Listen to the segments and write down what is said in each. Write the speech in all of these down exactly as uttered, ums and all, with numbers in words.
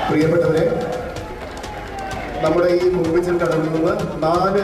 പ്രിയപ്പെട്ടവരെ, നമ്മുടെ ഈ മൂവിച്ചിൽ കടന്നു നിന്ന് നാല്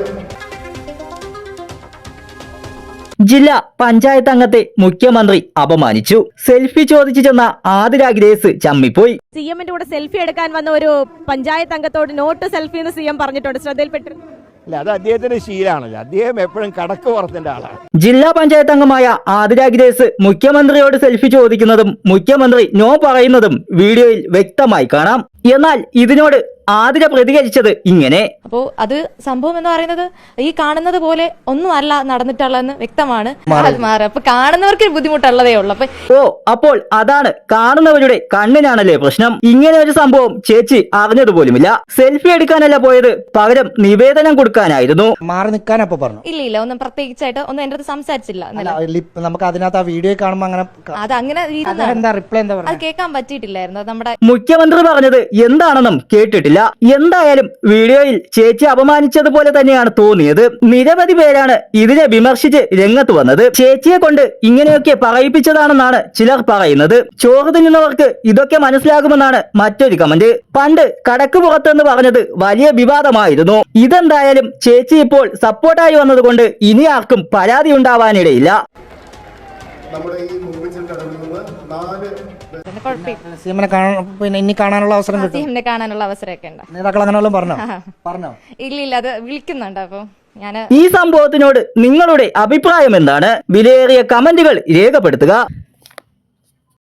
ജില്ലാ പഞ്ചായത്ത് അംഗത്തെ മുഖ്യമന്ത്രി അപമാനിച്ചു. സെൽഫി ചോദിച്ചു ചെന്ന ആതിര ഗ്രേസ് ചമ്മിപ്പോയി. സി എമ്മിന്റെ കൂടെ സെൽഫി എടുക്കാൻ വന്ന ഒരു പഞ്ചായത്ത് അംഗത്തോട് നോട്ട് സെൽഫി എന്ന് സി എം പറഞ്ഞിട്ടുണ്ട്. ശ്രദ്ധയിൽപ്പെട്ടു. അല്ല, അത് അദ്ദേഹത്തിന്റെ ശീലമാണല്ലോ. അദ്ദേഹം എപ്പോഴും കടക്ക് പുറത്തിന്റെ ആളാണ്. ജില്ലാ പഞ്ചായത്ത് അംഗമായ ആതിര ഗ്രേസ് മുഖ്യമന്ത്രിയോട് സെൽഫി ചോദിക്കുന്നതും മുഖ്യമന്ത്രി നോ പറയുന്നതും വീഡിയോയിൽ വ്യക്തമായി കാണാം. എന്നാൽ ഇതിനോട് ആതിര പ്രതികരിച്ചത് ഇങ്ങനെ: അപ്പോ അത് സംഭവം എന്ന് പറയുന്നത് ഈ കാണുന്നത് പോലെ ഒന്നും അല്ല നടന്നിട്ടുള്ളതെന്ന് വ്യക്തമാണ്. അപ്പൊ കാണുന്നവർക്ക് ബുദ്ധിമുട്ടുള്ളതേ ഉള്ളൂ. അപ്പൊ ഓ അപ്പോൾ അതാണ് കാണുന്നവരുടെ കണ്ണിനാണല്ലേ പ്രശ്നം. ഇങ്ങനെ ഒരു സംഭവം ചേച്ചി അറിഞ്ഞതുപോലുമില്ല. സെൽഫി എടുക്കാനല്ല പോയത്, പകരം നിവേദനം കൊടുക്കാനായിരുന്നു. മാറി നിൽക്കാനപ്പോ പറഞ്ഞു. ഇല്ല ഇല്ല ഒന്നും പ്രത്യേകിച്ചായിട്ട് ഒന്നും എന്റെ അടുത്ത് സംസാരിച്ചില്ല. നമുക്ക് അതിനകത്ത് ആ വീഡിയോ കാണുമ്പോൾ അങ്ങനെ അത് അങ്ങനെ എന്താ റിപ്ലൈ എന്താ അത് കേൾക്കാൻ പറ്റിയിട്ടില്ലായിരുന്നു. അത് നമ്മുടെ മുഖ്യമന്ത്രി പറഞ്ഞത് എന്താണെന്നും കേട്ടിട്ടില്ല. എന്തായാലും വീഡിയോയിൽ ചേച്ചി അപമാനിച്ചതുപോലെ തന്നെയാണ് തോന്നിയത്. നിരവധി പേരാണ് ഇതിനെ വിമർശിച്ച് രംഗത്ത് വന്നത്. ചേച്ചിയെ കൊണ്ട് ഇങ്ങനെയൊക്കെ പറയിപ്പിച്ചതാണെന്നാണ് ചിലർ പറയുന്നത്. ചോറ് തിന്നുന്നവർക്ക് ഇതൊക്കെ മനസ്സിലാകുമെന്നാണ് മറ്റൊരു കമന്റ്. പണ്ട് കടക്ക് പുറത്തെന്ന് പറഞ്ഞത് വലിയ വിവാദമായിരുന്നു. ഇതെന്തായാലും ചേച്ചി ഇപ്പോൾ സപ്പോർട്ടായി വന്നതുകൊണ്ട് ഇനി ആർക്കും പരാതി ഉണ്ടാവാനിടയില്ല. നമ്മുടെ ഈ മൂവിച്ചിൽ കടന്നു നിന്ന് നാല് സിഎമ്മിനെ പിന്നെ ഇനി കാണാനുള്ള അവസരം കിട്ടും. സിഎമ്മിനെ കാണാനുള്ള അവസരമൊക്കെ ഉണ്ട്. നേതാക്കൾ അങ്ങനെ പറഞ്ഞോ പറഞ്ഞോ ഇല്ല ഇല്ല അത് വിളിക്കുന്നുണ്ട്. അപ്പൊ ഞാൻ ഈ സംഭവത്തിനോട് നിങ്ങളുടെ അഭിപ്രായം എന്താണ്? വിലയേറിയ കമന്റുകൾ രേഖപ്പെടുത്തുക.